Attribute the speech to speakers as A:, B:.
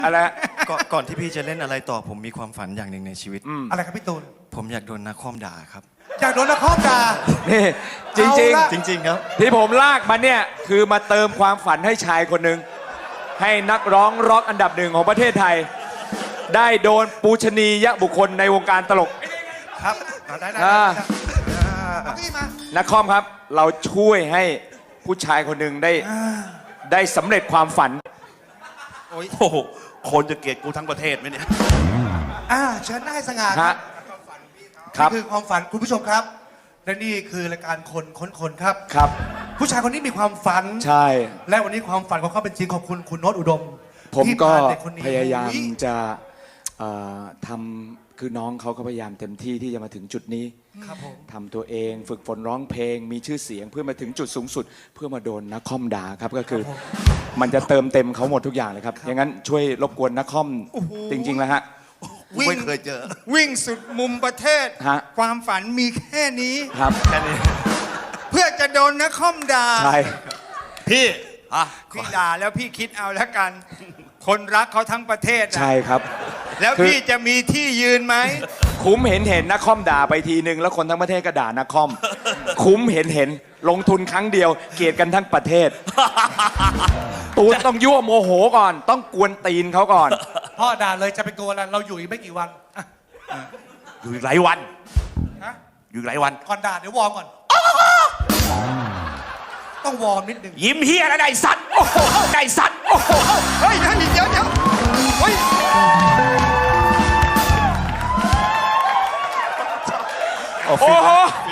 A: อะไร
B: ก่อนที่พี่จะเล่นอะไรต่อผมมีความฝันอย่างหนึ่งในชีวิต
C: อะไรครับพี่ตูน
B: ผมอยากโดนนักคอมด่าครับ
C: อยากโดนนักคอมด่า
A: นี่จริง
C: เอาละ
B: จริงๆครับ
A: ๆ ที่ผมลากมาเนี่ยคือมาเติมความฝันให้ชายคนหนึ่งให้นักร้องร็อกอันดับหนึ่งของประเทศไทย ได้โดนปูชนียบุคคลในวงการตลก
C: ครับได้ เอาที่มา
A: นักคอมครับ เราช่วยให้ผู้ชายคนหนึ่งได้สำเร็จความฝัน
D: โอ้โหคนจะเกลียดกูทั้งประเทศไหมเนี่ย
C: เชิญได้สง่า
A: ฮะ ครับ
C: นี่คือความฝันคุณผู้ชมครับ และนี่คือรายการคนค้นคนครับ
A: ครับ
C: ผู้ชายคนนี้มีความฝัน
A: ใช่
C: และวันนี้ความฝันของเขาเป็นจริงขอบคุณคุณโน้ตอุดม
A: ผม
C: ที่
A: ก็
C: พาเด็คนนี้
A: พยายาม
C: อุ๊
A: จะทำคือน้องเขาก็พยายามเต็มที่ที่จะมาถึงจุดนี้
C: ครับผม
A: ทำตัวเองฝึกฝนร้องเพลง มีชื่อเสียงเพื่อมาถึงจุดสูงสุด เพื่อมาโดนนักคอมด่าครับก็คือมันจะเติมเต็มเขาหมดทุกอย่างเลยครับอย่างนั้นช่วยรบกวนนักคอมจริงๆแล้วฮะ
D: ไม่เคยเจอ
E: วิ่งสุดมุมประเทศ
A: ฮะ
E: ความฝันมีแค่นี้
A: ครับ
E: เพื่อจะโดนนักคอมด่า
A: ใช่
D: พี่อ่ะ
E: พี่ด่าแล้วพี่คิดเอาแล้วกัน คนรักเขาทั้งประเทศอะ
A: ใช่ครับ
E: แล้ว
A: คือ
E: พี่จะมีที่ยืนไหม
A: คุ้มเห็นนักคอมด่าไปทีนึงแล้วคนทั้งประเทศก็ด่านักคอม คุ้มเห็นลงทุนครั้งเดียวเกลียดกันทั้งประเทศ ตูนต้องยั่วโมโหก่อน ต้องกวนตีนเขาก่อน
C: พ่อด่าเลยจะเป็นตัวอะไรเราอยู่อีกไม่กี่วันอ่ะ
D: อยู่อีกหลายวัน
C: ฮะ
D: อยู่อีกหลายวัน
C: ก่อนด่าเดี๋ยววอร์มก่อน ต้องวอร์มนิดหนึ่ง
D: ยิ้มเฮียอะไรสัตว์โอ้โหไก่สัตว์โอ้โห
E: เฮ้ยเดี๋ยวเฮ้ย
A: โอ้โห
D: ฟ